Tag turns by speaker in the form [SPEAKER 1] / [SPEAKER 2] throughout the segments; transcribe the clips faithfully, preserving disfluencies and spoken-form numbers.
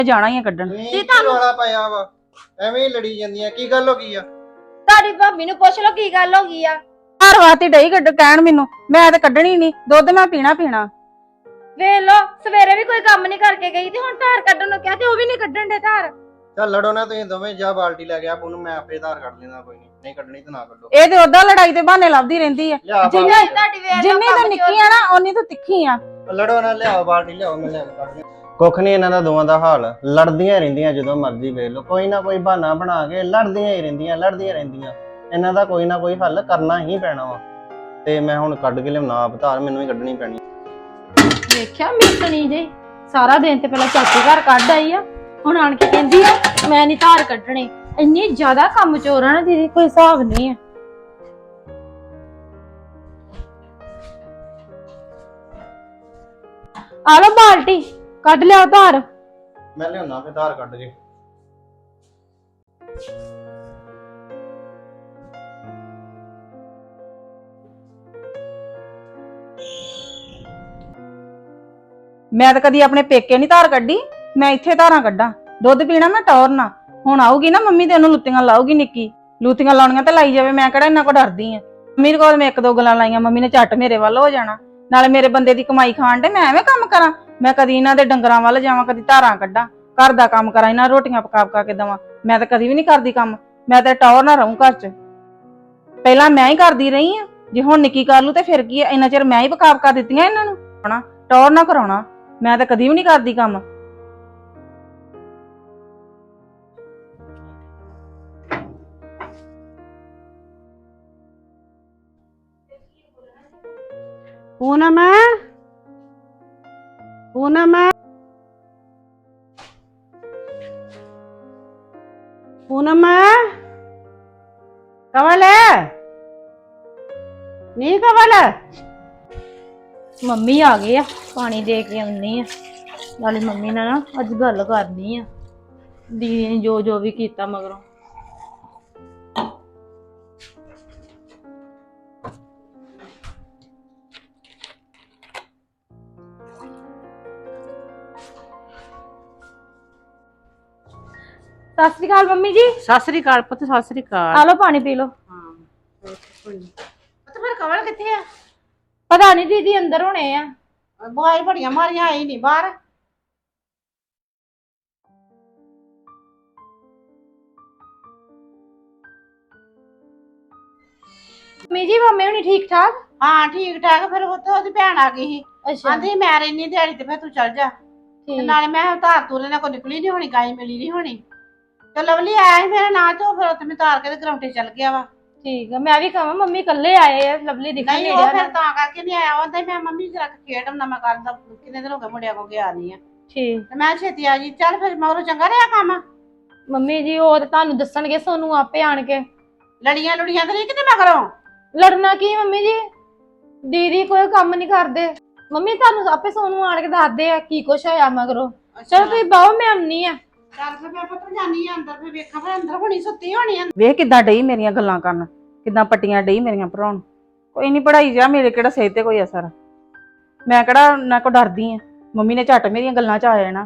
[SPEAKER 1] ਜਾਣਾ ਹੀ ਆ ਕੱਢਣ।
[SPEAKER 2] ਕੀ ਤੁਹਾਨੂੰ ਰੌਲਾ ਪਾਇਆ ਵਾ ਐਵੇਂ ਹੀ ਲੜੀ ਜਾਂਦੀਆਂ ਕੀ ਗੱਲ ਹੋ ਗਈ ਆ?
[SPEAKER 3] ਤੁਹਾਡੀ ਭਾਬੀ ਨੂੰ ਪੁੱਛ ਲਓ ਕੀ ਗੱਲ ਹੋ ਗਈ ਆ।
[SPEAKER 1] ਹਰ ਵਾਰ ਡਈ ਕੱਢ ਕਹਿਣ ਮੈਨੂੰ ਮੈਂ ਤਾਂ ਕੱਢਣੀ ਨਹੀਂ ਦੁੱਧ ਮੈਂ ਪੀਣਾ ਪੀਣਾ।
[SPEAKER 3] ਵੇਖ ਲੋ ਸਵੇਰੇ ਵੀ ਕੋਈ ਕੰਮ ਨਹੀਂ ਕਰਕੇ ਗਈ ਤੇ ਹੁਣ ਧਾਰ ਕੱਢਣ ਨੂੰ ਕਿਹਾ ਤੇ ਉਹ ਵੀ ਨਹੀਂ ਕੱਢਣ ਦੇ ਧਾਰ।
[SPEAKER 2] ਚੱਲ ਲੜੋ ਨਾ ਤੁਸੀਂ ਦੋਵੇਂ, ਜਾ ਬਾਲਟੀ ਲੈ ਗਿਆ ਉਹਨੂੰ ਮੈਂ ਆਪੇ ਧਾਰ ਕੱਢ ਲੈਣਾ, ਕੋਈ ਨਹੀਂ ਨਹੀਂ ਕੱਢਣੀ ਤਾਂ ਨਾ ਕੱਢੋ।
[SPEAKER 1] ਇਹ ਤੇ ਉਦਾਂ ਲੜਾਈ ਦੇ ਬਹਾਨੇ ਲੱਭਦੀ ਰਹਿੰਦੀ ਆ।
[SPEAKER 3] ਜਿੰਨੀ ਤੁਹਾਡੀ ਵੇਖ ਲੋ
[SPEAKER 1] ਜਿੰਨੀ ਤਾਂ ਨਿੱਕੀ ਆ ਨਾ ਓਨੀ ਤਾਂ ਤਿੱਖੀ ਆ।
[SPEAKER 2] ਲੜੋ ਨਾ, ਲਿਆਓ ਬਾਲਟੀ ਲਿਆਓ ਮੈਂ ਲੈ ਕੇ ਕੱਢ ਲਿਆ। ਕੁੱਖ ਨਹੀਂ ਇਹਨਾਂ ਦਾ ਦੋਵਾਂ ਦਾ ਹਾਲ, ਲੜਦੀਆਂ ਰਹਿੰਦੀਆਂ ਜਦੋਂ ਮਰਜ਼ੀ ਵੇਖ ਲਓ, ਕੋਈ ਨਾ ਕੋਈ ਬਹਾਨਾ ਬਣਾ ਕੇ ਲੜਦੀਆਂ ਹੀ ਰਹਿੰਦੀਆਂ ਲੜਦੀਆਂ ਰਹਿੰਦੀਆਂ। ਇਹਨਾਂ ਦਾ ਕੋਈ ਨਾ ਕੋਈ ਹੱਲ ਕਰਨਾ ਹੀ ਪੈਣਾ ਵਾ ਤੇ ਮੈਂ ਹੁਣ ਕੱਢ ਕੇ ਲਿਆਉਣਾ ਆਪ ਧਾਰ, ਮੈਨੂੰ ਹੀ ਕੱਢਣੀ ਪੈਣੀ।
[SPEAKER 3] ਵੇਖਿਆ ਮਿਸਣੀ ਜੇ ਸਾਰਾ ਦਿਨ ਤੇ ਪਹਿਲਾਂ ਚਾਚੀ ਘਰ ਕੱਢ ਆਈ ਆ, ਹੁਣ ਆਣ ਕੇ ਕਹਿੰਦੀ ਆ ਮੈਂ ਨਹੀਂ ਧਾਰ ਕੱਢਣੀ। ਇੰਨੀ ਜ਼ਿਆਦਾ ਕੰਮ ਚੋਰ ਆ ਨਾ ਦੀਦੀ ਕੋਈ ਹਿਸਾਬ ਨਹੀਂ ਆ। ਆ ਲੋ ਬਾਲਟੀ ਕੱਢ ਲਿਆ ਧਾਰ।
[SPEAKER 2] ਮੈਂ ਲਿਆਉਣਾ ਫੇ ਧਾਰ ਕੱਢ ਕੇ।
[SPEAKER 1] ਮੈਂ ਤਾਂ ਕਦੀ ਆਪਣੇ ਪੇਕੇ ਨਹੀਂ ਧਾਰ ਕੱਢੀ, ਮੈਂ ਇੱਥੇ ਧਾਰਾਂ ਕੱਢਾਂ। ਦੁੱਧ ਪੀਣਾ ਮੈਂ ਟੌਰਨਾ। ਹੁਣ ਆਊਗੀ ਨਾ ਮੰਮੀ ਤੇ ਉਹਨੂੰ ਲੁੱਤੀਆਂ ਲਾਊਗੀ, ਨਿੱਕੀ ਲੁੱਤੀਆਂ ਲਾਉਣੀਆਂ ਤੇ ਲਾਈ ਜਾਵੇ, ਮੈਂ ਕਿਹੜਾ ਇਹਨਾਂ ਕੋ ਡਰਦੀ ਆ। ਮੰਮੀ ਕੋਲ ਮੈਂ ਇੱਕ ਦੋ ਗੱਲਾਂ ਲਾਈਆਂ, ਮੰਮੀ ਨੇ ਝੱਟ ਮੇਰੇ ਵੱਲ ਹੋ ਜਾਣਾ। ਨਾਲੇ ਮੇਰੇ ਬੰਦੇ ਦੀ ਕਮਾਈ ਖਾਣ ਦੇ ਮੈਂ ਐਵੇਂ ਕੰਮ ਕਰਾਂ? ਮੈਂ ਕਦੀ ਇਹਨਾਂ ਦੇ ਡੰਗਰਾਂ ਵੱਲ ਜਾਵਾਂ, ਕਦੀ ਧਾਰਾਂ ਕੱਢਾਂ, ਘਰ ਦਾ ਕੰਮ ਕਰਾਂ, ਇਹਨਾਂ ਰੋਟੀਆਂ ਪਕਾ ਪਕਾ ਕੇ ਦੇਵਾਂ। ਮੈਂ ਤਾਂ ਕਦੀ ਵੀ ਨਹੀਂ ਕਰਦੀ ਕੰਮ, ਮੈਂ ਤਾਂ ਟੌਰ ਨਾ ਰਹੂੰ ਘਰ 'ਚ। ਪਹਿਲਾਂ ਮੈਂ ਹੀ ਕਰਦੀ ਰਹੀ ਆ, ਜੇ ਹੁਣ ਨਿੱਕੀ ਕਰ ਲੂ ਤੇ ਫਿਰ ਕੀ ਆ? ਇੰਨਾ ਚਿਰ ਮੈਂ ਹੀ ਪਕਾ ਪਕਾ ਦਿੱਤੀਆਂ ਇਹਨਾਂ ਨੂੰ। ਹਣਾ ਟੌਰ ਨਾ ਕਰਾਉਣਾ, ਮੈਂ ਤਾਂ ਕਦੀ ਵੀ ਨਹੀਂ ਕਰਦੀ ਕੰਮ।
[SPEAKER 4] पूनम पूनम पूनम कवल है नहीं कवल
[SPEAKER 3] ਮੰਮੀ ਆ ਗਏ ਆ, ਪਾਣੀ ਦੇ ਕੇ ਆਉਣੀ ਆ। ਨਾਲੇ ਮੰਮੀ ਨਾਲ ਨਾ ਅੱਜ ਗੱਲ ਕਰਨੀ ਆ, ਦੀਦੀ ਨੇ ਜੋ ਜੋ ਵੀ ਕੀਤਾ ਮਗਰੋਂ। ਸਤਿ ਸ਼੍ਰੀ ਅਕਾਲ ਮੰਮੀ ਜੀ।
[SPEAKER 4] सत श्री अकाल पुत सत श्री अकाल।
[SPEAKER 3] ਆ ਲੋ ਪਾਣੀ ਪੀ ਲੋ।
[SPEAKER 4] हाँ तो फिर कवल किथे है?
[SPEAKER 3] ਪਤਾ ਨਹੀਂ ਦੀਦੀ ਅੰਦਰ ਹੋਣੇ ਆ।
[SPEAKER 4] बुआई बड़ियां मारियां आई नहीं बाहर।
[SPEAKER 3] ਮੰਮੀ ਜੀ ਮੰਮੀ ਹੁਣੀ ਠੀਕ ਠਾਕ?
[SPEAKER 4] हाँ ठीक ठाक। फिर उत्थे ओदी भैन आ गई ही,
[SPEAKER 3] ਅੱਛਾ
[SPEAKER 4] आंदी मैं रहनी दिहाड़ी ते फिर तू चल जा। ते
[SPEAKER 3] ਠੀਕ
[SPEAKER 4] नाले मैं धार तूर इन्हां को निकली नहीं होनी, गाय मिली नहीं होनी। तो लवली आया ही मेरे नाल, तो फिर उत्थे मैं तार के ते ग्राउंडे चल गया वा।
[SPEAKER 3] ਠੀਕ ਆ। ਮੈਂ ਵੀ ਕਹਾਂ ਮੰਮੀ ਇਕੱਲੇ ਆਏ ਆ, ਲਵਲੀ ਦਿਖਣ
[SPEAKER 4] नहीं
[SPEAKER 3] ਨਹੀਂ
[SPEAKER 4] वो
[SPEAKER 3] ਰਿਹਾ
[SPEAKER 4] फिर
[SPEAKER 3] ਨਾ।
[SPEAKER 4] तां करके नहीं आया। ओंदा मैं मम्मी जरा खेड ना मैं कर दा, कितने दिन हो गए मुंडिया को गया नहीं है।
[SPEAKER 3] ਠੀਕ
[SPEAKER 4] ते मैं छेती आ जी। चल फिर मगरों चंगा रहा काम।
[SPEAKER 3] ਮੰਮੀ ਜੀ ਉਹ ਤਾਂ ਤੁਹਾਨੂੰ ਦੱਸਣਗੇ ਸੋਨੂੰ ਆਪੇ ਆਣ ਕੇ।
[SPEAKER 4] लड़ियां लुड़ियां तो नहीं किते मगरों?
[SPEAKER 3] ਲੜਨਾ ਕੀ ਮੰਮੀ ਜੀ, ਦੀਦੀ ਕੋਈ ਕੰਮ ਨਹੀਂ ਕਰਦੇ। ਮੰਮੀ ਤੁਹਾਨੂੰ ਆਪੇ ਸੋਨੂੰ ਆਣ ਕੇ ਦੱਸਦੇ ਆ ਕੀ ਕੁਛ ਹੋਇਆ ਮਗਰੋਂ। ਚਲੋ ਤੁਸੀਂ ਬਾਹੋ ਮੈਂ ਆਉਣੀ ਆ।
[SPEAKER 4] ਚੱਲ ਫਿਰ ਮੈਂ ਪੁੱਤ ਜਾਨੀ ਆ ਅੰਦਰ, ਫਿਰ ਵੇਖਾਂ ਫਿਰ ਅੰਦਰ ਹੁਣੀ ਸੁੱਤੀ ਹੋਣੀ ਆ।
[SPEAKER 1] ਵੇਖ ਕਿੱਦਾਂ ਡਈ ਮੇਰੀਆਂ ਗੱਲਾਂ ਕਰਨ, ਕਿੱਦਾਂ ਪੱਟੀਆਂ ਡਈ ਮੇਰੀਆਂ ਭਰਾਉਣ। ਕੋਈ ਨਹੀਂ ਪੜਾਈ ਜਾ, ਮੇਰੇ ਕਿਹੜਾ ਸਿਹਤ ਤੇ ਕੋਈ ਅਸਰ। ਮੈਂ ਕਿਹੜਾ ਨਾ ਕੋ ਡਰਦੀ ਆ, ਮੰਮੀ ਨੇ ਝੱਟ ਮੇਰੀਆਂ ਗੱਲਾਂ 'ਚ ਆ ਜਾਣਾ।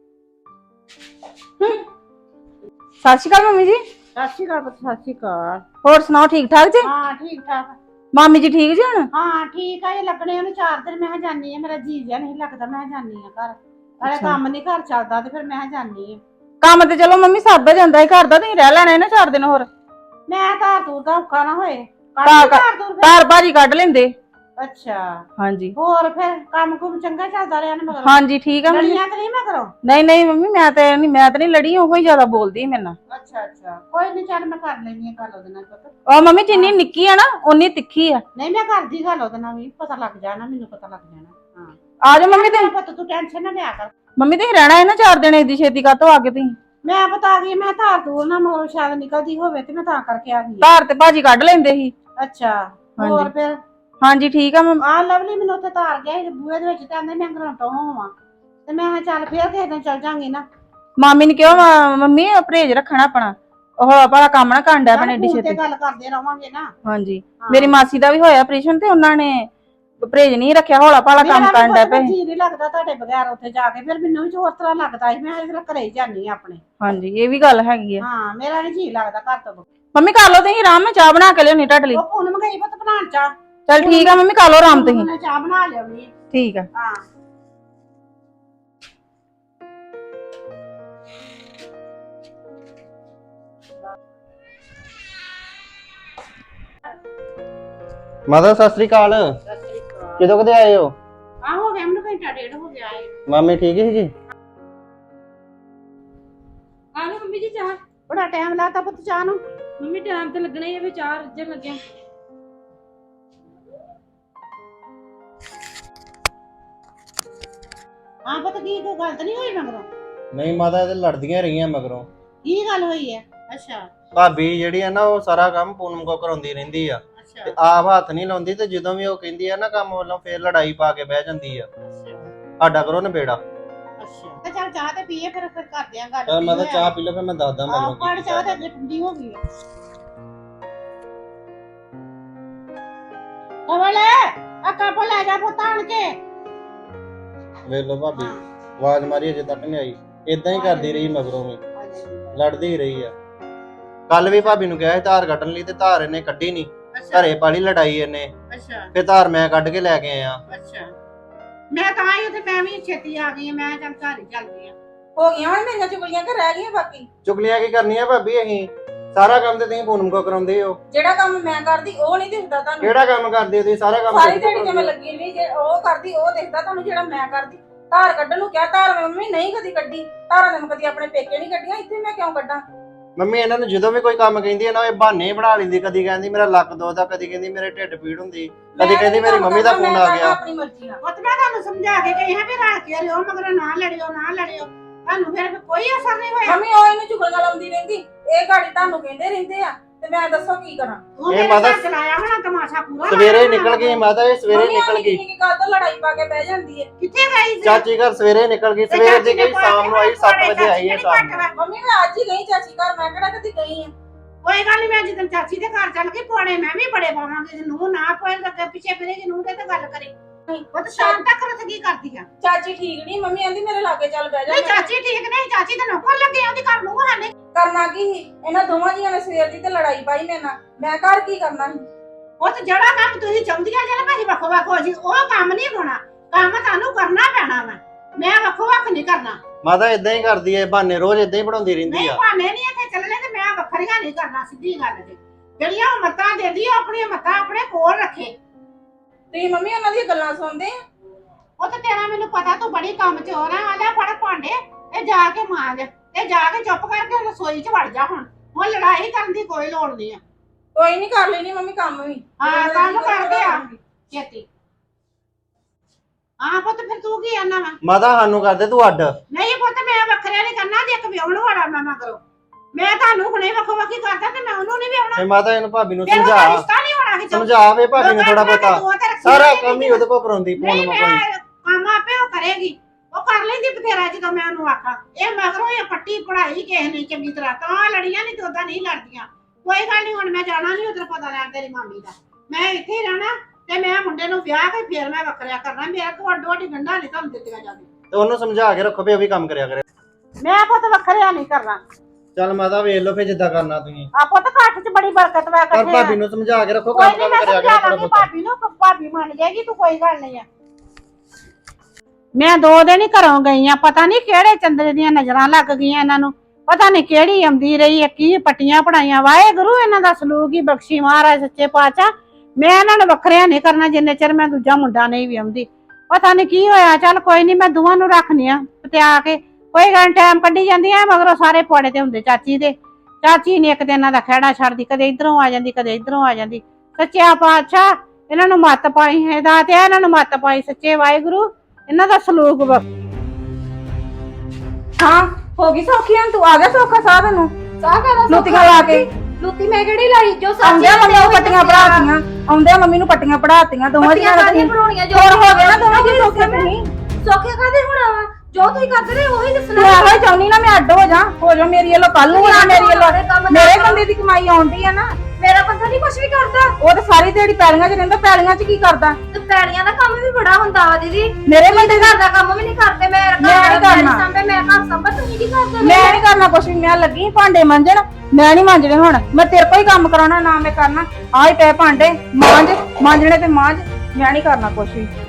[SPEAKER 1] ਸਤਿ ਸ਼੍ਰੀ ਅਕਾਲ ਮੰਮੀ ਜੀ।
[SPEAKER 4] ਸਤਿ ਸ਼੍ਰੀ ਅਕਾਲ ਪੁੱਤ ਸਤਿ ਸ਼੍ਰੀ ਅਕਾਲ।
[SPEAKER 1] ਹੋਰ ਸੁਣਾਓ ਠੀਕ ਠਾਕ ਜੀ?
[SPEAKER 4] ਹਾਂ ਠੀਕ ਠਾਕ।
[SPEAKER 1] ਮਾਮੀ ਜੀ ਠੀਕ ਜੀ ਹੁਣ?
[SPEAKER 4] ਹਾਂ ਠੀਕ ਆ। ਇਹ ਲੱਗਣੇ ਉਹਨੂੰ ਚਾਰ ਦਿਨ ਮੈਂ ਜਾਨੀ ਆ, ਮੇਰਾ ਜੀ ਜਿਹਾ ਨਹੀਂ ਲੱਗਦਾ, ਮੈਂ ਜਾਨੀ ਆ ਘਰ। ਅਰੇ
[SPEAKER 1] ਅੱਛਾ।
[SPEAKER 4] ਕੰਮ ਨਹੀਂ ਘਰ ਚੱਲਦਾ ਤੇ ਫਿਰ ਮੈਂ ਜਾਨੀ ਆ।
[SPEAKER 1] ਕੰਮ ਤੇ ਚਲੋ ਮੰਮੀ ਸਭ ਜਾਂਦਾ ਹੈ ਘਰ ਦਾ, ਤੁਸੀਂ ਰਹਿ ਲੈਣਾ ਨਾ ਚਾਰ ਦਿਨ ਹੋਰ।
[SPEAKER 4] ਮੈਂ ਧਾਰ ਤੂਰ ਦਾ ਔਖਾ ਨਾ ਹੋਏ। ਕੱਢ
[SPEAKER 1] ਧਾਰ-
[SPEAKER 4] ਲਈ ਧਾਰ ਤੂਰ ਫਿਰ?
[SPEAKER 1] ਧਾਰ ਭਾਜੀ ਕੱਢ ਲੈਂਦੇ।
[SPEAKER 4] ਅੱਛਾ
[SPEAKER 1] ਹਾਂਜੀ
[SPEAKER 4] ਹੋਰ ਫਿਰ ਕੰਮ ਕੁਮ ਚੰਗਾ ਚੱਲਦਾ ਰਿਹਾ ਨਾ ਮਗਰ?
[SPEAKER 1] ਹਾਂਜੀ ਠੀਕ ਆ ਮੰਮੀ।
[SPEAKER 4] ਲੜੀਆਂ ਤੇ ਨਹੀਂ ਮੈਂ ਕਰੋ?
[SPEAKER 1] ਨਹੀਂ ਨਹੀਂ ਮੰਮੀ ਮੈਂ ਤੇ ਨਹੀਂ ਮੈਂ ਤੇ ਨਹੀਂ ਲੜੀ, ਉਹੋ ਹੀ ਜ਼ਿਆਦਾ ਬੋਲਦੀ ਮੇਰੇ ਨਾਲ।
[SPEAKER 4] ਅੱਛਾ ਅੱਛਾ ਕੋਈ ਨਹੀਂ, ਚੱਲ ਮੈਂ ਕਰ ਲੈਣੀ ਆ ਗੱਲ ਉਹਦੇ ਨਾਲ ਪੁੱਤ।
[SPEAKER 1] ਉਹ ਮੰਮੀ ਜਿੰਨੀ ਨਿੱਕੀ ਆ ਨਾ ਓਨੀ ਤਿੱਖੀ ਆ।
[SPEAKER 4] ਨਹੀਂ ਮੈਂ ਕਰਦੀ ਗੱਲ ਉਹਦੇ ਨਾਲ ਵੀ, ਪਤਾ ਲੱਗ ਜਾਣਾ ਮੈਨੂੰ, ਪਤਾ ਲੱਗ ਜਾਣਾ। ਹਾਂ
[SPEAKER 1] ਆ ਜਾ ਮੰਮੀ ਤੇ
[SPEAKER 4] ਪੁੱਤ ਤੂੰ ਟੈਨਸ਼ਨ ਨਾ ਲਿਆ ਕਰ।
[SPEAKER 1] ਮੰਮੀ ਤੁਸੀਂ ਰਹਿਣਾ ਹੈ ਨਾ ਚਾਰ ਦਿਨ, ਏਦੀ ਛੇਤੀ ਕਾਤੋਂ ਆ ਗਏ ਤੁਸੀਂ?
[SPEAKER 4] ਮੈਂ ਪਤਾ ਗਈ ਮੈਂ ਧਾਰ ਦੂਰ ਨਾ ਮਗਰੋਂ ਸ਼ਾਇਦ ਨਿਕਲਦੀ ਹੋਵੇ ਤੇ ਮੈਂ ਤਾਂ ਕਰਕੇ ਆ ਗਈ।
[SPEAKER 1] ਧਾਰ ਤੇ ਭਾਜੀ ਕੱਢ ਲੈਂਦੇ ਸੀ।
[SPEAKER 4] ਅੱਛਾ
[SPEAKER 1] ਹਾਂਜੀ।
[SPEAKER 4] ਹੋਰ ਫਿਰ?
[SPEAKER 1] ਹਾਂਜੀ ਠੀਕ ਆ ਮੰਮੀ।
[SPEAKER 4] ਆ ਲਵਲੀ ਮੈਨੂੰ ਉੱਥੇ ਧਾਰ ਗਿਆ ਸੀ ਬੂਹੇ ਦੇ ਵਿੱਚ, ਤੇ ਕਹਿੰਦੇ ਮੈਂ ਗਰਾਂਟੋਂ ਹੋਵਾਂ ਤੇ ਮੈਂ ਕਿਹਾ ਚੱਲ ਫੇਰ ਕਿਸੇ ਦਿਨ ਚੱਲ ਜਾਂਗੀ ਨਾ।
[SPEAKER 1] ਮਾਮੀ ਨੇ ਕਿਹਾ ਮੰਮੀ ਪਰਹੇਜ ਰੱਖਣਾ ਆਪਣਾ, ਉਹ ਆਪਣਾ ਕੰਮ ਨਾ ਕਾਂਡਾ ਆਪਣੇ ਏਡੀ
[SPEAKER 4] ਫੋਨ ਤੇ
[SPEAKER 1] ਛੇਤੀ।
[SPEAKER 4] ਗੱਲ ਕਰਦੇ ਰਵਾਂਗੇ ਨਾ।
[SPEAKER 1] ਹਾਂਜੀ ਮੇਰੀ ਮਾਸੀ ਦਾ ਵੀ ਹੋਇਆ ਆਪਰੇਸ਼ਨ ਤੇ ਉਹਨਾਂ ਨੇ ਪਰਹੇਜ ਨਹੀਂ ਰੱਖਿਆ, ਹੌਲਾ ਭਾਲਾ ਕੰਮ ਕਰਨ ਡੈ ਪਏ।
[SPEAKER 4] ਜੀ ਨਹੀਂ ਲੱਗਦਾ ਤੁਹਾਡੇ ਬਗੈਰ ਉੱਥੇ ਜਾ ਕੇ, ਫਿਰ ਮੈਨੂੰ ਵੀ ਹੋਰ ਤਰ੍ਹਾਂ ਲੱਗਦਾ ਸੀ, ਮੈਂ ਇਸ ਘਰੇ ਹੀ ਜਾਂਦੀ ਆ ਆਪਣੇ।
[SPEAKER 1] ਹਾਂਜੀ ਇਹ ਵੀ ਗੱਲ ਹੈਗੀ ਆ।
[SPEAKER 4] ਹਾਂ ਮੇਰਾ ਨਹੀਂ ਜੀ ਲੱਗਦਾ ਘਰ ਤੋਂ।
[SPEAKER 1] ਮੰਮੀ ਕਰ ਲਓ ਤੁਸੀਂ ਆਰਾਮ, ਮੈਂ ਚਾਹ ਬਣਾ ਕੇ ਲਿਆਉਣੀ ਤੁਹਾਡੇ ਲਈ।
[SPEAKER 4] ਉਹ ਪੂਨਮ ਗਈ ਪੁੱਤ ਬਣਾਉਣ ਚਾਹ।
[SPEAKER 1] ਚਲ ਠੀਕ ਆ ਮੰਮੀ, ਕਰ ਲਓ ਆਰਾਮ ਤੁਸੀਂ।
[SPEAKER 4] ਮੈਂ ਚਾਹ ਬਣਾ ਲਿਆਉਣੀ।
[SPEAKER 1] ਠੀਕ ਆ।
[SPEAKER 4] ਹਾਂ
[SPEAKER 2] ਮਾਤਾ ਸਤਿ ਸ੍ਰੀ ਅਕਾਲ। ਕਿਦੋਂ ਕਦੇ ਆਏ ਹੋ?
[SPEAKER 4] ਆ ਹੋ ਗਿਆ ਮੈਨੂੰ ਘੰਟਾ ਡੇਢ ਹੋ ਗਿਆ ਏ।
[SPEAKER 2] ਮਾਮੀ ਠੀਕ ਹੀ ਜੀ?
[SPEAKER 3] ਆ ਲਓ ਮੰਮੀ ਜੀ ਚਾਹ।
[SPEAKER 4] ਬੜਾ ਟਾਈਮ ਲਾਤਾ ਪੁੱਤ ਚਾਹ ਨੂੰ।
[SPEAKER 3] ਮੰਮੀ ਟਾਈਮ ਤੇ ਲੱਗਣਾ ਹੀ ਆ, ਵੀ ਚਾਹ ਰੱਜਣ ਲੱਗਿਆ।
[SPEAKER 4] ਹਾਂ ਪੁੱਤ ਕੀ ਕੋਈ ਗੱਲ ਤਾਂ ਨਹੀਂ ਹੋਈ ਮਗਰੋਂ?
[SPEAKER 2] ਨਹੀਂ ਮਾਤਾ ਇਹ ਲੜਦੀਆਂ ਰਹੀਆਂ ਮਗਰੋਂ।
[SPEAKER 4] ਕੀ ਗੱਲ ਹੋਈ ਹੈ? ਅੱਛਾ
[SPEAKER 2] ਭਾਬੀ ਜਿਹੜੀ ਆ ਨਾ ਉਹ ਸਾਰਾ ਕੰਮ ਪੂਨਮ ਕੋ ਕਰਾਉਂਦੀ ਰਹਿੰਦੀ ਆ
[SPEAKER 4] ਅੱਛਾ
[SPEAKER 2] ਤੇ ਆਪ ਹੱਥ ਨਹੀਂ ਲਾਉਂਦੀ, ਤੇ ਜਦੋਂ ਵੀ ਉਹ ਕਹਿੰਦੀ ਆ ਨਾ ਕੰਮ ਵੱਲੋਂ ਫੇਰ ਲੜਾਈ ਪਾ ਕੇ ਬਹਿ ਜਾਂਦੀ ਆ।
[SPEAKER 4] ਅੱਛਾ
[SPEAKER 2] ਸਾਡਾ ਕਰੋ ਨਬੇੜਾ।
[SPEAKER 4] ਅੱਛਾ ਤੇ ਚੱਲ ਚਾਹ ਤੇ ਪੀਏ, ਫਿਰ ਫਿਰ ਕਰਦੇ ਆਂ ਗੱਲ।
[SPEAKER 2] ਚਲ ਮਾਤਾ ਚਾਹ ਪੀ ਲਓ, ਫਿਰ ਮੈਂ ਦੱਸਦਾ
[SPEAKER 4] ਆਹ
[SPEAKER 2] ਮੈਨੂੰ
[SPEAKER 4] ਪੜ ਚਾਹ ਤੇ ਅੱਗੇ ਠੰਡੀ ਹੋ ਗਈ ਹੈ। ਕਮਲ ਆ ਕੱਪ ਲੈ ਜਾ ਪੁੱਤ ਆਣ ਕੇ।
[SPEAKER 2] ਵੇਖ ਲਓ ਭਾਬੀ ਆਵਾਜ਼ ਮਾਰੀ ਅਜੇ ਤੱਕ ਨਹੀਂ ਆਈ, ਇਦਾਂ ਹੀ ਕਰਦੀ ਰਹੀ ਮਗਰੋਂ ਵੀ ਲੜਦੀ ਹੀ ਰਹੀ ਆ। ਕੱਲ ਵੀ ਭਾਬੀ ਨੂੰ ਕਿਹਾ ਸੀ ਧਾਰ ਕੱਢਣ ਲਈ, ਤੇ ਧਾਰ ਇਹਨੇ ਕੱਢੀ ਨਹੀਂ, ਘਰੇ ਪਾਲੀ ਲੜਾਈ ਇਹਨੇ।
[SPEAKER 4] ਅੱਛਾ
[SPEAKER 2] ਫੇ ਧਾਰ ਮੈਂ ਕੱਢ ਕੇ ਲੈ ਕੇ ਆਇਆ।
[SPEAKER 4] ਅੱਛਾ ਮੈਂ ਤਾਂ ਆਈ ਤੇ ਮੈਂ ਵੀ ਛੇਤੀ ਆ ਗਈ, ਮੈਂ ਚੱਲ ਘਰ ਹੀ ਚੱਲਦੀ ਆ।
[SPEAKER 1] ਹੋ ਗਈਆਂ ਹੁਣ ਮੇਰੀਆਂ ਚੁਗਲੀਆਂ ਕਿ ਰਹਿ ਗਈਆਂ ਬਾਕੀ?
[SPEAKER 2] ਚੁਗਲੀਆਂ ਕੀ ਕਰਨੀਆਂ ਭਾਬੀ, ਅਸੀਂ ਸਾਰਾ ਕੰਮ ਤੇ ਤੁਸੀਂ ਪੂਨਮ ਕੋ ਕਰਾਉਂਦੇ ਹੋ।
[SPEAKER 1] ਜਿਹੜਾ ਕੰਮ ਮੈਂ ਕਰਦੀ ਉਹ ਨਹੀਂ ਦਿਖਦਾ ਤੁਹਾਨੂੰ?
[SPEAKER 2] ਕਿਹੜਾ ਕੰਮ ਕਰਦੇ ਹੋ ਤੁਸੀਂ? ਸਾਰਾ ਕੰਮ
[SPEAKER 1] ਸਾਰੀ ਦਿਹਾੜੀ ਤੇ ਮੈਂ ਲੱਗੀ ਨਹੀਂ, ਜੇ ਉਹ ਕਰਦੀ ਉਹ ਦਿਖਦਾ ਤੁਹਾਨੂੰ, ਜਿਹੜਾ ਮੈਂ ਕਰਦੀ। ਧਾਰ ਕੱਢਣ ਨੂੰ ਕਿਹਾ, ਧਾਰ ਮੈਂ ਮੰਮੀ ਨਹੀਂ ਕਦੀ ਕੱਢੀ, ਧਾਰਾਂ ਨੇ ਕਦੀ ਆਪਣੇ ਪੇਕੇ ਨਹੀਂ ਕੱਢੀਆਂ, ਇੱਥੇ ਮੈਂ ਕਿਉਂ ਕੱਢਾਂ?
[SPEAKER 2] ਮੰਮੀ ਇਹਨਾਂ ਨੂੰ ਜਦੋਂ ਵੀ ਕੋਈ ਕੰਮ ਕਹਿੰਦੀ ਹੈ ਨਾ ਇਹ ਬਹਾਨੇ ਹੀ ਬਣਾ ਲੈਂਦੀ, ਕਦੀ ਕਹਿੰਦੀ ਮੇਰਾ ਲੱਕ ਦੁਖਦਾ, ਕਦੀ ਕਹਿੰਦੀ ਮੇਰੇ ਢਿੱਡ ਪੀੜ ਹੁੰਦੀ, ਕਦੀ ਕਹਿੰਦੀ ਮੇਰੀ ਮੰਮੀ ਦਾ ਫੋਨ ਆ ਗਿਆ।
[SPEAKER 1] ਆਪਣੀ ਮਰਜ਼ੀ ਨਾਲ
[SPEAKER 4] ਪੁੱਤ ਮੈਂ ਤੁਹਾਨੂੰ ਸਮਝਾ ਕੇ ਗਈ ਹਾਂ ਵੀ ਰੱਖ ਕੇ ਲਿਓ, ਮਗਰ ਨਾ ਲੜਿਓ ਨਾ ਲੜਿਓ, ਤੁਹਾਨੂੰ ਫਿਰ ਕੋਈ ਅਸਰ ਨਹੀਂ ਹੋਇਆ।
[SPEAKER 1] ਮੰਮੀ ਉਹ ਇਹਨੂੰ ਚੁਗਲੀਆਂ ਲਾਉਂਦੀ ਰਹਿੰਦੀ, ਇਹ ਗਾੜੀ ਤੁਹਾਨੂੰ ਕਹਿੰਦੇ ਰਹਿੰਦੇ ਆ, ਤੇ ਮੈਂ ਦੱਸੋ ਕੀ ਕਰਾਂ?
[SPEAKER 4] ਉਹ
[SPEAKER 2] ਇਹ
[SPEAKER 4] ਮੇਰੇ
[SPEAKER 2] ਮਾਤਾ
[SPEAKER 4] ਘਰ ਚਲਾਇਆ ਹੋਣਾ ਤਮਾਸ਼ਾ ਪੂਰਾ।
[SPEAKER 2] ਸਵੇਰੇ ਨਿਕਲ ਗਈ ਮਾਤਾ, ਇਹ ਸਵੇਰੇ ਨਿਕਲ ਗਈ।
[SPEAKER 1] ਕੀ ਗੱਲ ਤੋਂ ਲੜਾਈ ਪਾ ਕੇ ਬਹਿ ਜਾਂਦੀ ਹੈ?
[SPEAKER 4] ਕਿੱਥੇ ਗਈ ਸੀ?
[SPEAKER 2] ਚਾਚੀ ਘਰ ਸਵੇਰੇ ਨਿਕਲ ਗਈ, ਸਵੇਰ ਦੀ ਗਈ, ਸ਼ਾਮ ਨੂੰ ਆਈ, ਸੱਤ ਵਜੇ ਆਈ ਹੈ ਸ਼ਾਮ ਨੂੰ।
[SPEAKER 1] ਮੰਮੀ ਮੈਂ ਅੱਜ ਹੀ ਗਈ ਚਾਚੀ ਘਰ, ਮੈਂ ਕਿਹੜਾ ਕਦੀ ਗਈ ਆ?
[SPEAKER 4] ਕੋਈ ਗੱਲ ਨਹੀਂ, ਮੈਂ ਜਦੋਂ ਚਾਚੀ ਦੇ ਘਰ ਚੱਲ ਕੇ ਪੋੜੇ ਮੈਂ ਵੀ ਬੜੇ ਪਾਵਾਂਗੀ, ਜੇ ਨੂੰ ਨਾ ਪੋਏ ਅੱਗੇ ਪਿੱਛੇ ਫਿਰੇਗੀ ਨੂੰ ਤੇ ਗੱਲ ਕਰੀ। ਉਹ ਤਾਂ ਸ਼ਾਮ ਤੱਕ ਰੁੱਤ ਕੀ ਕਰਦੀ ਆ?
[SPEAKER 1] ਚਾਚੀ ਠੀਕ ਨਹੀਂ, ਮੰਮੀ ਕਹਿੰਦੀ ਮੇਰੇ ਲਾਗੇ ਚੱਲ ਬਹਿ ਜਾ।
[SPEAKER 4] ਨਹੀਂ ਚਾਚੀ ਠੀਕ ਨਹੀਂ, ਚਾਚੀ ਤਾਂ ਨੌਕਰ ਲੱਗੇ ਉਹਦੀ ਘਰ ਨੂੰ ਹਾਲੇ।
[SPEAKER 1] ਕਰਨਾ ਕੀ ਸੀ? ਇਹਨਾਂ ਦੋਵਾਂ ਜੀਆਂ ਨੇ ਸਵੇਰ ਦੀ ਤੇ ਲੜਾਈ ਪਾਈ ਮੇਰੇ ਨਾਲ, ਮੈਂ ਘਰ ਕੀ ਕਰਨਾ ਸੀ?
[SPEAKER 4] ਉਹ ਤਾਂ ਜਿਹੜਾ ਕੰਮ ਤੁਸੀਂ ਚਾਹੁੰਦੀਆਂ ਜੇ ਨਾ ਭਾਈ ਵੱਖੋ ਵੱਖ ਹੋ ਜੀ, ਉਹ ਕੰਮ ਨਹੀਂ ਹੋਣਾ, ਕੰਮ ਤੁਹਾਨੂੰ ਕਰਨਾ ਪੈਣਾ ਵਾ। ਮੈਂ ਵੱਖੋ ਵੱਖ ਨਹੀਂ ਕਰਨਾ।
[SPEAKER 2] ਮਾਤਾ ਇਦਾਂ ਹੀ ਕਰਦੀ ਹੈ, ਬਹਾਨੇ ਰੋਜ਼ ਇਦਾਂ ਹੀ ਬਣਾਉਂਦੀ ਰਹਿੰਦੀ
[SPEAKER 4] ਨਹੀਂ
[SPEAKER 2] ਆ।
[SPEAKER 4] ਭਾਵੇਂ ਨਹੀਂ ਇੱਥੇ ਚੱਲਣੇ ਤੇ ਮੈਂ ਵੱਖਰੀਆਂ ਨਹੀਂ ਕਰਨਾ, ਸਿੱਧੀ ਗੱਲ ਤੇ। ਜਿਹੜੀਆਂ ਉਹ ਮੱਤਾਂ ਦਿੰਦੀ ਉਹ ਆਪਣੀਆਂ ਮੱਤਾਂ ਆਪਣੇ ਕੋਲ ਰੱਖੇ।
[SPEAKER 1] ਤੁਸੀਂ ਮੰਮੀ ਉਹਨਾਂ ਦੀਆਂ ਗੱਲਾਂ ਸੁਣਦੇ ਆ?
[SPEAKER 4] ਉਹ ਤਾਂ ਤੇਰਾ ਮੈਨੂੰ ਪਤਾ ਤੂੰ ਬੜੀ ਕੰਮ ਚੋਰ ਆ। ਆ ਲੈ ਫੜ ਭਾਂਡੇ ਤੇ ਜਾ ਕੇ ਮਾਂਜ, ਤੇ ਜਾ ਕੇ ਚੁੱਪ ਕਰਕੇ ਰਸੋਈ 'ਚ ਵੜ ਜਾ। ਹੁਣ ਹੁਣ ਲੜਾਈ ਕਰਨ ਦੀ ਕੋਈ ਲੋੜ ਨਹੀਂ ਆ।
[SPEAKER 1] ਕੋਈ ਨਹੀਂ, ਕਰ ਲੈਣੀ ਮੰਮੀ ਕੰਮ ਵੀ।
[SPEAKER 4] ਹਾਂ ਕੰਮ ਕਰਦੇ ਆ ਛੇਤੀ। ਹਾਂ ਪੁੱਤ ਫਿਰ ਤੂੰ ਕੀ ਆਨਾ ਵਾ?
[SPEAKER 2] ਮਾਤਾ ਸਾਨੂੰ ਕਰਦੇ ਤੂੰ ਅੱਡ।
[SPEAKER 4] ਨਹੀਂ ਪੁੱਤ ਮੈਂ ਵੱਖਰਿਆ ਨਹੀਂ ਕਰਨਾ, ਤੇ ਇੱਕ ਵਿਆਹਣ ਵਾਲਾ ਮੈਂ ਨਾ ਕਰੋ। ਮੈਂ ਤੁਹਾਨੂੰ ਹੁਣੇ ਵੱਖੋ ਵੱਖੀ ਕਰਦਾ ਤੇ ਮੈਂ ਉਹਨੂੰ ਨਹੀਂ ਵਿਆਹਣਾ।
[SPEAKER 2] ਫੇ ਮਾਤਾ ਇਹਨੂੰ ਭਾਬੀ ਨੂੰ
[SPEAKER 4] ਤੇਰਾ
[SPEAKER 2] ਸਮਝਾ,
[SPEAKER 4] ਰਿਸ਼ਤਾ ਨਹੀਂ ਹੋਣਾ ਕਿ
[SPEAKER 2] ਸਮਝਾ ਵੇ ਭਾਬੀ ਨੂੰ ਥੋੜਾ ਬਹੁਤਾ। ਸਾਰਾ ਕੰਮ ਹੀ ਉਹਦੇ ਕੋਲ ਕਰਾਉਂਦੀ
[SPEAKER 4] ਨਹੀਂ
[SPEAKER 2] ਪੂਨਮ
[SPEAKER 4] ਮੈਂ
[SPEAKER 2] ਕੋਲ।
[SPEAKER 4] ਕੰਮ ਆਪੇ ਉਹ ਕਰੇਗੀ, ਉਹ ਕਰ ਲੈਂਦੀ ਬਥੇਰਾ ਜਦੋਂ ਮੈਂ ਉਹਨੂੰ ਆਖਾਂ। ਇਹ ਮਗਰੋਂ ਇਹ ਪੱਟੀ ਪੜਾਈ ਕਿਸੇ ਨੇ ਚੰਗੀ ਤਰ੍ਹਾਂ, ਤਾਂ ਲੜੀਆਂ ਨਹੀਂ ਤੇ ਉਦਾਂ ਨਹੀਂ ਲੜਦੀਆਂ। ਕੋਈ ਗੱਲ ਨਹੀਂ, ਹੁਣ ਮੈਂ ਜਾਣਾ ਨਹੀਂ ਉਧਰ, ਪਤਾ ਲੈਣ ਤੇਰੀ ਮਾਮੀ ਦਾ। ਮੈਂ ਇੱਥੇ ਹੀ ਰਹਿਣਾ ਤੇ ਮੈਂ ਮੁੰਡੇ ਨੂੰ ਵਿਆਹ ਕੇ ਫੇਰ ਮੈਂ ਵੱਖਰਿਆ ਕਰਨਾ। ਮੇਰਾ ਕੋਲ ਅੱਡੋ ਅੱਡੀ ਗੰਢਾਂ ਨਹੀਂ ਤੁਹਾਨੂੰ ਦਿੱਤੀਆਂ ਜਾਂਦੀਆਂ।
[SPEAKER 2] ਤੇ ਉਹਨੂੰ ਸਮਝਾ ਕੇ ਰੱਖੋ ਵੀ ਉਹ ਵੀ ਕੰਮ ਕਰਿਆ ਕਰੇ।
[SPEAKER 4] ਮੈਂ ਪੁੱਤ ਵੱਖਰਿਆ ਨਹੀਂ ਕਰਨਾ।
[SPEAKER 2] ਚੱਲ ਮਾਤਾ ਵੇਖ ਲਓ ਫੇ ਜਿੱਦਾਂ ਕਰਨਾ ਤੁਸੀਂ।
[SPEAKER 4] ਆ ਪੁੱਤ ਘੱਟ 'ਚ ਬੜੀ ਬਰਕਤ ਵਾ
[SPEAKER 2] ਪਰ
[SPEAKER 4] ਇਕੱਠੇ।
[SPEAKER 2] ਭਾਬੀ ਨੂੰ ਸਮਝਾ ਕੇ ਰੱਖੋ,
[SPEAKER 4] ਕੋਈ
[SPEAKER 2] ਕੰਮ
[SPEAKER 4] ਨਹੀਂ
[SPEAKER 2] ਕੰਮ
[SPEAKER 4] ਮੈਂ
[SPEAKER 2] ਕਰਿਆ
[SPEAKER 4] ਸਮਝਾ
[SPEAKER 2] ਕਰੇ ਥੋੜਾ
[SPEAKER 4] ਦਾਂਗੀ
[SPEAKER 2] ਬਹੁਤਾ।
[SPEAKER 4] ਭਾਬੀ ਨੂੰ, ਭਾਬੀ ਮੰਨ ਜਾਏਗੀ, ਤੂੰ ਕੋਈ ਗੱਲ ਨਹੀਂ ਆ। ਮੈਂ ਦੋ ਦਿਨ ਹੀ ਘਰੋਂ ਗਈ ਆ, ਪਤਾ ਨਹੀਂ ਕਿਹੜੇ ਚੰਦਰੇ ਦੀਆਂ ਨਜ਼ਰਾਂ ਲੱਗ ਗਈਆਂ ਇਹਨਾਂ ਨੂੰ। ਪਤਾ ਨਹੀਂ ਕਿਹੜੀ ਆਉਂਦੀ ਰਹੀ ਹੈ, ਕੀ ਪੱਟੀਆਂ ਪੜਾਈਆਂ। ਵਾਹਿਗੁਰੂ ਇਹਨਾਂ ਦਾ ਸਲੂਕ ਹੀ ਬਖਸ਼ੀ ਮਹਾਰਾਜ ਸੱਚੇ ਪਾਤਸ਼ਾਹ। ਮੈਂ ਇਹਨਾਂ ਨੂੰ ਵੱਖਰਿਆ ਨਹੀਂ ਕਰਨਾ ਜਿੰਨੇ ਚਿਰ ਮੈਂ ਦੂਜਾ ਮੁੰਡਾ ਨਹੀਂ ਵੀ ਆਉਂਦੀ। ਪਤਾ ਨਹੀਂ ਕੀ ਹੋਇਆ। ਚੱਲ ਕੋਈ ਨਹੀਂ, ਮੈਂ ਦੋਵਾਂ ਨੂੰ ਰੱਖਨੀ ਆ ਤੇ ਆ ਕੇ ਕੋਈ ਗੱਲ ਟਾਈਮ ਕੱਢੀ ਜਾਂਦੀ ਆ। ਮਗਰੋਂ ਸਾਰੇ ਪੌੜੇ ਤੇ ਹੁੰਦੇ ਚਾਚੀ ਦੇ। ਚਾਚੀ ਨੇ ਇੱਕ ਦਿਨ ਇਹਨਾਂ ਦਾ ਖਹਿੜਾ ਛੱਡਦੀ, ਕਦੇ ਇਧਰੋਂ ਆ ਜਾਂਦੀ ਕਦੇ ਇਧਰੋਂ ਆ ਜਾਂਦੀ। ਸੱਚਿਆ ਪਾਤਸ਼ਾਹ ਇਹਨਾਂ ਨੂੰ ਮੱਤ ਪਾਈ ਹੈ ਦਾ ਤੇ ਇਹਨਾਂ ਨੂੰ ਮੱਤ ਪਾਈ ਸੱਚੇ ਵਾਹਿਗੁਰੂ ਇਹਨਾਂ ਦਾ ਸਲੂਕ।
[SPEAKER 1] ਹਾਂ ਹੋ ਗਈ ਸੌਖੀ, ਹੁਣ ਤੂੰ ਆ ਗਿਆ ਸੌਖਾ ਸਾਹ ਤੈਨੂੰ?
[SPEAKER 3] ਸਾਹ ਕਰਾ
[SPEAKER 1] ਲੁੱਤੀਆਂ ਲਾ ਕੇ
[SPEAKER 3] ਲੁੱਤੀ ਮੈਂ ਕਿਹੜੀ ਲਾਈ? ਜੋ
[SPEAKER 1] ਆਉਂਦੇ ਆ ਮੰਮੀ ਨੂੰ ਪੱਟੀਆਂ ਪੜਾਤੀਆਂ, ਆਉਂਦੇ ਆ ਮੰਮੀ ਨੂੰ ਪੱਟੀਆਂ ਪੜਾਤੀਆਂ ਦੋਵਾਂ ਦੀਆਂ।
[SPEAKER 3] ਕਾਹਦੀਆਂ ਬਣਾਉਣੀਆਂ? ਜੋ
[SPEAKER 1] ਹੋਰ ਹੋ ਗਿਆ ਨਾ ਦੋਵਾਂ ਦੀ ਸੌਖੇ ਨਹੀਂ।
[SPEAKER 3] ਸੌਖੇ ਕਾਹਦੇ ਹੋਣਾ ਵਾ? ਜੋ ਤੁਸੀਂ ਕਰਦੇ ਰਹੇ ਉਹੀ
[SPEAKER 1] ਤੂੰ
[SPEAKER 3] ਦੱਸਣਾ।
[SPEAKER 1] ਇਹੋ ਹੀ ਚਾਹੁੰਦੀ ਨਾ ਮੈਂ ਅੱਡ ਹੋ ਜਾ, ਹੋ ਜਾ ਮੇਰੀ ਵੱਲੋਂ, ਕੱਲ ਨੂੰ ਹੋ ਜਾ ਮੇਰੀ ਵੱਲੋਂ। ਮੇਰੇ ਬੰਦੇ ਦੀ ਕਮਾਈ ਆਉਂਦੀ ਆ ਨਾ,
[SPEAKER 3] ਮੇਰਾ ਬੰਦਾ ਨਹੀਂ ਕੁਝ ਵੀ ਕਰਦਾ।
[SPEAKER 1] ਉਹ ਤਾਂ ਸਾਰੀ ਦਿਹਾੜੀ ਪੈਲੀਆਂ 'ਚ ਰਹਿੰਦਾ, ਪੈਲੀਆਂ 'ਚ ਕੀ ਕਰਦਾ?
[SPEAKER 3] ਤੇ ਪੈਲੀਆਂ ਦਾ ਕੰਮ ਵੀ ਬੜਾ ਹੁੰਦਾ ਵਾ ਦੀਦੀ।
[SPEAKER 1] ਮੇਰੇ ਬੰਦੇ ਦਾ
[SPEAKER 3] ਘਰ ਦਾ ਕੰਮ ਵੀ ਨਹੀਂ ਕਰਦੇ। ਮੈਂ
[SPEAKER 1] ਮੈਂ ਨਹੀਂ ਕਰਨਾ।
[SPEAKER 3] ਸਾਂਭੇ ਮੈਂ ਘਰ ਸਾਂਭਾ, ਤੁਸੀਂ ਕੀ ਕਰਦੇ?
[SPEAKER 1] ਮੈਂ ਨਹੀਂ ਕਰਨਾ ਕੁਛ ਵੀ। ਮੈਂ ਲੱਗੀ ਭਾਂਡੇ ਮਾਂਜਣ, ਮੈਂ ਨਹੀਂ ਮਾਂਜਣੇ ਹੁਣ। ਮੈਂ ਤੇਰੇ ਕੋਲ ਹੀ ਕੰਮ ਕਰਾਉਣਾ, ਨਾ ਮੈਂ ਕਰਨਾ। ਆਹ ਹੀ ਪਏ ਭਾਂਡੇ, ਮਾਂਜ, ਮਾਂਜਣੇ ਤੇ ਮਾਂਜ। ਮੈਂ ਨਹੀਂ ਕਰਨਾ ਕੁਛ ਵੀ।